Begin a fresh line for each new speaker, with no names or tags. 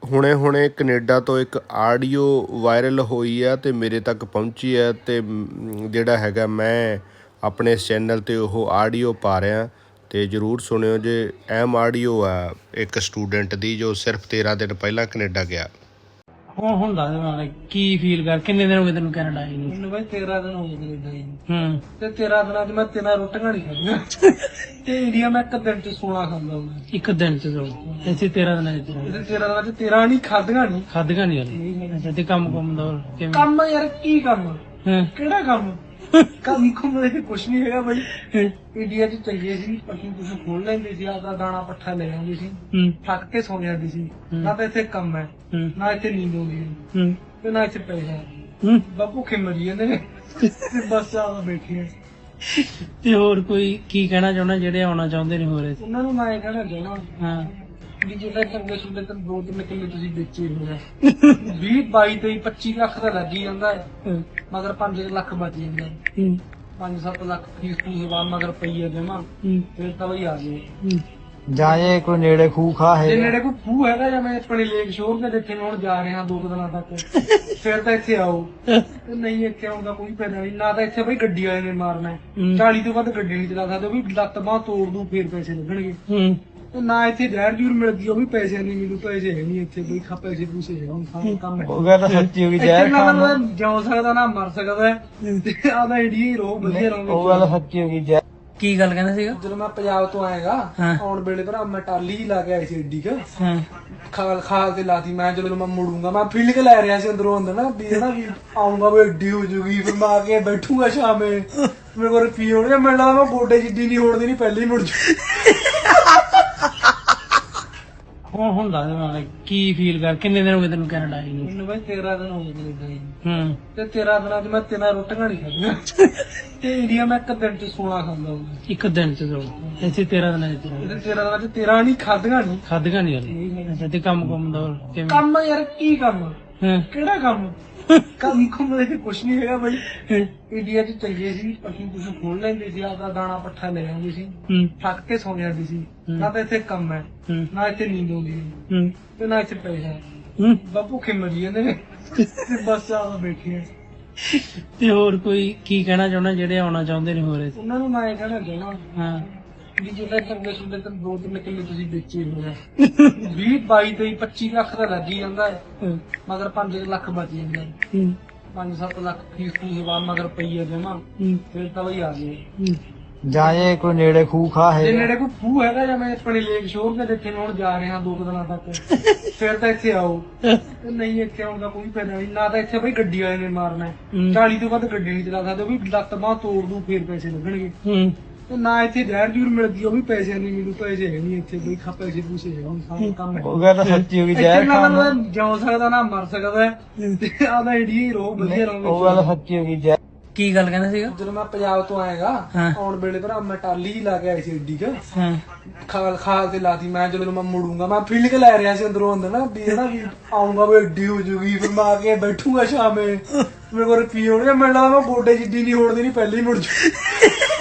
ਹੁਣੇ ਕੈਨੇਡਾ ਤੋਂ ਇੱਕ ਆਡੀਓ ਵਾਇਰਲ ਹੋਈ ਆ ਅਤੇ ਮੇਰੇ ਤੱਕ ਪਹੁੰਚੀ ਹੈ ਅਤੇ ਜਿਹੜਾ ਹੈਗਾ ਮੈਂ ਆਪਣੇ ਇਸ ਚੈਨਲ 'ਤੇ ਉਹ ਆਡੀਓ ਪਾ ਰਿਹਾ ਅਤੇ ਜ਼ਰੂਰ ਸੁਣਿਓ ਜੇ। ਅਹਿਮ ਆਡੀਓ ਆ ਇੱਕ ਸਟੂਡੈਂਟ ਦੀ ਜੋ ਸਿਰਫ 13 ਦਿਨ ਪਹਿਲਾਂ ਕੈਨੇਡਾ ਗਿਆ।
ਹੁਣ ਦੱਸ ਮੈਨੂੰ ਕੀ ਫੀਲ ਕਰ, ਕਿੰਨੇ ਦਿਨ ਹੋ ਗਏ ਤੈਨੂੰ ਕੈਨੇਡਾ ਆਈ ਨੂੰ?
ਮੈਨੂੰ ਬਾਈ 13 ਦਿਨ ਹੋ ਗਏ ਕੈਨੇਡਾ ਆਈ ਨੂੰ।
ਤੇ
ਤੇ 13 ਦਿਨਾਂ 'ਚ ਮੈਂ 3 ਰੋਟੀਆਂ ਨਹੀਂ ਖਾਧੀਆਂ ਤੇ ਇੰਡੀਆ ਮੈਂ ਇੱਕ ਦਿਨ 'ਚ 16 ਖਾਂਦਾ ਹੁੰਦਾ।
ਇੱਕ ਦਿਨ ਚ ਦੋ ਇੱਥੇ 13 ਦਿਨਾਂ ਚ
ਇਹਦੇ 13 ਦਿਨਾਂ 'ਚ 13 ਨਹੀਂ ਖਾਧੀਆਂ ਨਹੀਂ।
ਖਾਧੀਆਂ ਨਹੀਂ ਹਲੇ। ਅੱਛਾ, ਤੇ ਕੰਮ ਦਾ ਕਿਵੇਂ?
ਕੰਮ ਯਾਰ ਕੀ ਕੰਮ,
ਹਾਂ
ਕਿਹੜਾ ਕੰਮ? ਕੰਮ ਕੁੰਮ ਦੇ ਕੁਛ ਨਹੀਂ ਹੈਗਾ ਬਾਈ। ਇੰਡੀਆ 'ਚ ਚੰਗੇ ਸੀ, ਪਸ਼ੂ ਪਸ਼ੂ ਖੋਲ ਲੈਂਦੇ ਸੀ, ਆਪਦਾ ਦਾਣਾ ਪੱਠਾ ਲੈ ਆਉਂਦੇ ਸੀ, ਥੱਕ ਕੇ ਸੌ ਜਾਂਦੇ ਸੀ। ਨਾ ਤਾਂ ਇੱਥੇ ਕੰਮ ਹੈ, ਨਾ ਇੱਥੇ ਨੀਂਦ ਆਉਂਦੀ ਹੈ, ਤੇ ਨਾ ਇੱਥੇ ਪੈਸਾ। ਬਾਪੂ ਭੁੱਖੇ ਮਰੀ ਜਾਂਦੇ ਨੇ ਤੇ ਬਸ ਆ ਬੈਠੇ ਆ।
ਤੇ ਹੋਰ ਕੋਈ ਕੀ ਕਹਿਣਾ ਚਾਹੁੰਦਾ ਜਿਹੜੇ ਆਉਣਾ ਚਾਹੁੰਦੇ ਨੇ ਹੋਰ ਇੱਥੇ?
ਉਹਨਾਂ ਨੂੰ ਮੈਂ ਇਹ ਕਹਿਣਾ ਚਾਹੁੰਦਾ
ਹਾਂ
ਵੀ ਜਿਹੜਾ ਚੰਗੇ ਸੁਣਦੇ ਤਾਂ 2-3 ਕਿੱਲੇ ਤੁਸੀਂ ਵੇਚੇ ਹੋਇਆ 20 22 23 25 ਲੱਖ ਦਾ ਲੱਗ ਹੀ ਜਾਂਦਾ ਹੈ, ਮਗਰ 5 ਲੱਖ ਬਚ ਜਾਂਦਾ। 5-7 ਲੱਖ ਫੀਸ ਫੂਸ ਬਾਅਦ ਮਗਰ ਪਈ ਹੈ ਜਮਾ, ਫਿਰ ਤਾਂ ਬਈ ਆ ਗਏ।
ਜਾਂ ਜੇ ਕੋਈ ਨੇੜੇ ਖੂਹ ਖਾ
ਜੇ
ਹੈ
ਨੇੜੇ ਕੋਈ ਖੂਹ ਹੈਗਾ ਜਾਂ ਮੈਂ ਆਪਣੇ ਲੇਕ ਸ਼ੋਰ ਦੇ ਜਿੱਥੇ ਮੈਂ ਹੁਣ ਜਾ ਰਿਹਾ 2 ਦਿਨਾਂ ਤੱਕ, ਫਿਰ ਤਾਂ ਇੱਥੇ ਆਓ। ਤੇ ਨਹੀਂ ਇੱਥੇ ਆਉਣ ਦਾ ਕੋਈ ਫਾਇਦਾ ਨਹੀਂ, ਨਾ ਤਾਂ ਇੱਥੇ ਬਈ ਗੱਡੀ ਵਾਲੇ ਨੇ ਮਾਰਨਾ ਹੈ, 40 ਤੋਂ ਵੱਧ ਗੱਡੀ ਨਹੀਂ ਚਲਾ ਸਕਦੇ, ਉਹ ਵੀ ਲੱਤ ਬਾਂਹ ਤੋੜ ਦੂ ਫੇਰ ਪੈਸੇ ਲੱਗਣਗੇ। ਤੇ ਨਾ ਇੱਥੇ ਜ਼ਹਿਰ ਜੂਰ ਮਿਲ ਗਈ, ਉਹ ਵੀ ਪੈਸੇ ਨਹੀਂ ਮਿਲੂ, ਪੈਸੇ ਹੈ ਨਹੀਂ ਇੱਥੇ ਬਈ, ਪੈਸੇ ਪੂਸੇ ਹੈ ਹੁਣ ਸਾਰਾ ਕੰਮ ਹੈ।
ਉਹ ਗੱਲ ਤਾਂ ਸੱਚੀ ਹੋ ਗਈ।
ਇੱਥੇ
ਜ਼ਹਿਰ
ਨਾ
ਖਾਣ
ਤਾਂ ਜਿਉ ਸਕਦਾ ਨਾ ਮਰ ਸਕਦਾ ਹੈ, ਤੇ ਆਦਾ ਇੰਡੀਆ ਹੀ ਰਹੋ, ਵਧੀਆ
ਉਹ
ਰਹੋ।
ਗੱਲ ਸੱਚੀ ਹੋ ਗਈ। ਜ਼ਹਿਰ
ਕੀ ਗੱਲ ਕਹਿੰਦਾ ਸੀਗਾ?
ਜਦੋਂ ਮੈਂ ਪੰਜਾਬ ਤੋਂ ਆਏਗਾ
ਹਾਂ।
ਆਉਣ ਵੇਲੇ ਭਰਾ ਮੈਂ ਟਾਲੀ ਹੀ ਲਾ ਕੇ ਆਈ ਸੀ ਏਡੀ ਕ
ਹਾਂ
ਖਾਲ ਤੇ ਲਾਤੀ। ਮੈਂ ਜਦੋਂ ਮੈਂ ਮੁੜੂੰਗਾ ਮੈਂ ਫੀਲ ਕੇ ਲੈ ਰਿਹਾ ਸੀ ਅੰਦਰੋਂ ਅੰਦਰ ਨਾ ਵੀ ਨਾ ਵੀ ਆਉਂਗਾ ਵੀ ਏਡੀ ਹੋ ਜੂਗੀ, ਫਿਰ ਮੈਂ ਆ ਕੇ ਬੈਠੂਗਾ ਸ਼ਾਮੇ, ਮੇਰੇ ਕੋਲ ਰੁਪਈਏ ਹੋਣਗੇ, ਮੈਨੂੰ ਲੱਗਦਾ ਮੈਂ ਗੋਡੇ ਜਿੱਡੀ ਨਹੀਂ ਹੋੜਦੀ ਨਹੀਂ ਪਹਿਲੇ ਹੀ ਮੁੜ ਜੂ।
ਹੁਣ ਦੱਸ ਮੈਨੂੰ ਕੀ ਫੀਲ ਕਰ, ਕਿੰਨੇ ਦਿਨ ਹੋ ਗਏ ਤੈਨੂੰ ਕੈਨੇਡਾ ਆਈ ਨੂੰ?
ਮੈਨੂੰ ਬਾਈ 13 ਦਿਨ ਹੋ ਗਏ ਕੈਨੇਡਾ ਆਈ ਨੂੰ। ਤੇ 13 ਦਿਨਾਂ 'ਚ ਮੈਂ 3 ਰੋਟੀਆਂ ਨਹੀਂ ਖਾਧੀਆਂ ਤੇ ਇੰਡੀਆ ਮੈਂ ਇੱਕ ਦਿਨ 'ਚ 16 ਖਾਂਦਾ ਹੁੰਦਾ।
ਇੱਕ ਦਿਨ ਚ ਦੋ ਇੱਥੇ 13 ਦਿਨਾਂ ਚ
ਇਹਦੇ 13 ਦਿਨਾਂ 'ਚ 13 ਨਹੀਂ ਖਾਧੀਆਂ ਨਹੀਂ।
ਖਾਧੀਆਂ ਨਹੀਂ ਹਲੇ। ਅੱਛਾ, ਤੇ ਕੰਮ ਦਾ ਕਿਵੇਂ?
ਕੰਮ ਯਾਰ ਕੀ ਕੰਮ,
ਹਾਂ
ਕਿਹੜਾ ਕੰਮ? ਕੰਮ ਕੁੰਮ ਦੇ ਕੁਛ ਨਹੀਂ ਹੈਗਾ ਬਾਈ। ਇੰਡੀਆ 'ਚ ਚੰਗੇ ਸੀ, ਪਸ਼ੂ ਪਸ਼ੂ ਖੋਲ ਲੈਂਦੇ ਸੀ, ਆਪਦਾ ਦਾਣਾ ਪੱਠਾ ਲੈ ਆਉਂਦੇ ਸੀ, ਥੱਕ ਕੇ ਸੌ ਜਾਂਦੇ ਸੀ। ਨਾ ਤਾਂ ਇੱਥੇ ਕੰਮ ਹੈ, ਨਾ ਇੱਥੇ ਨੀਂਦ ਆਉਂਦੀ ਹੈ, ਤੇ ਨਾ ਇੱਥੇ ਪੈਸਾ। ਬਾਪੂ ਭੁੱਖੇ ਮਰੀ ਜਾਂਦੇ ਨੇ ਤੇ ਬਸ ਆ ਬੈਠੇ ਆ।
ਤੇ ਹੋਰ ਕੋਈ ਕੀ ਕਹਿਣਾ ਚਾਹੁੰਦਾ ਜਿਹੜੇ ਆਉਣਾ ਚਾਹੁੰਦੇ ਨੇ ਹੋਰ ਇੱਥੇ?
ਉਹਨਾਂ ਨੂੰ ਮੈਂ ਇਹ ਕਹਿਣਾ ਚਾਹੁੰਦਾ
ਹਾਂ
ਵੀ ਜਿਹੜਾ ਚੰਗੇ ਸੁਣਦੇ ਤਾਂ 2-3 ਕਿੱਲੇ ਤੁਸੀਂ ਵੇਚੇ ਹੋਇਆ 20 22 23 25 ਲੱਖ ਦਾ ਲੱਗ ਹੀ ਜਾਂਦਾ ਹੈ, ਮਗਰ 5 ਲੱਖ ਬਚ ਜਾਂਦਾ। 5-7 ਲੱਖ ਫੀਸ ਫੂਸ ਬਾਅਦ ਮਗਰ ਪਈ ਹੈ ਜਮਾ, ਫਿਰ ਤਾਂ ਬਈ ਆ ਗਏ।
ਜਾਂ ਜੇ ਕੋਈ ਨੇੜੇ ਖੂਹ ਖਾ
ਜੇ
ਹੈ
ਨੇੜੇ ਕੋਈ ਖੂਹ ਹੈਗਾ ਜਾਂ ਮੈਂ ਆਪਣੇ ਲੇਕ ਸ਼ੋਰ ਦੇ ਜਿੱਥੇ ਮੈਂ ਹੁਣ ਜਾ ਰਿਹਾ 2 ਦਿਨਾਂ ਤੱਕ, ਫਿਰ ਤਾਂ ਇੱਥੇ ਆਓ। ਤੇ ਨਹੀਂ ਇੱਥੇ ਆਉਣ ਦਾ ਕੋਈ ਫਾਇਦਾ ਨਹੀਂ, ਨਾ ਤਾਂ ਇੱਥੇ ਬਈ ਗੱਡੀ ਵਾਲੇ ਨੇ ਮਾਰਨਾ ਹੈ, 40 ਤੋਂ ਵੱਧ ਗੱਡੀ ਨਹੀਂ ਚਲਾ ਸਕਦੇ, ਉਹ ਵੀ ਲੱਤ ਬਾਂਹ ਤੋੜ ਦੂ ਫੇਰ ਪੈਸੇ ਲੱਗਣਗੇ। ਤੇ ਨਾ ਇੱਥੇ ਜ਼ਹਿਰ ਜੂਰ ਮਿਲ ਗਈ, ਉਹ ਵੀ ਪੈਸੇ ਨਹੀਂ ਮਿਲੂ, ਪੈਸੇ ਹੈ ਨਹੀਂ ਇੱਥੇ ਬਈ, ਪੈਸੇ ਪੂਸੇ ਹੈ ਹੁਣ ਸਾਰਾ ਕੰਮ ਹੈ।
ਉਹ ਗੱਲ ਤਾਂ ਸੱਚੀ ਹੋ ਗਈ।
ਇੱਥੇ
ਜ਼ਹਿਰ
ਨਾ
ਖਾਣ
ਤਾਂ ਜਿਉ ਸਕਦਾ ਨਾ ਮਰ ਸਕਦਾ ਹੈ, ਤੇ ਆਦਾ ਇੰਡੀਆ ਹੀ ਰਹੋ, ਵਧੀਆ ਰਹੋ।
ਉਹ ਗੱਲ ਸੱਚੀ ਹੋ ਗਈ। ਜ਼ਹਿਰ
ਕੀ ਗੱਲ ਕਹਿੰਦਾ ਸੀਗਾ?
ਜਦੋਂ ਮੈਂ ਪੰਜਾਬ ਤੋਂ ਆਏਗਾ
ਹਾਂ।
ਆਉਣ ਵੇਲੇ ਭਰਾ ਮੈਂ ਟਾਲੀ ਹੀ ਲਾ ਕੇ ਆਈ ਸੀ ਏਡੀ ਕ
ਹਾਂ
ਖਾਲ ਤੇ ਲਾਤੀ। ਮੈਂ ਜਦੋਂ ਮੈਂ ਮੁੜੂੰਗਾ ਮੈਂ ਫੀਲ ਕੇ ਲੈ ਰਿਹਾ ਸੀ ਅੰਦਰੋਂ ਅੰਦਰ ਨਾ ਵੀ ਨਾ ਵੀ ਆਉਂਗਾ ਵੀ ਏਡੀ ਹੋ ਜੂਗੀ, ਫਿਰ ਮੈਂ ਆ ਕੇ ਬੈਠੂਗਾ ਸ਼ਾਮੇ, ਮੇਰੇ ਕੋਲ ਰੁਪਈਏ ਹੋਣਗੇ, ਮੈਨੂੰ ਲੱਗਦਾ ਮੈਂ ਗੋਡੇ ਜਿੱਡੀ ਨਹੀਂ ਹੋੜਦੀ ਨਹੀਂ ਪਹਿਲੇ ਹੀ ਮੁੜ ਜੂ।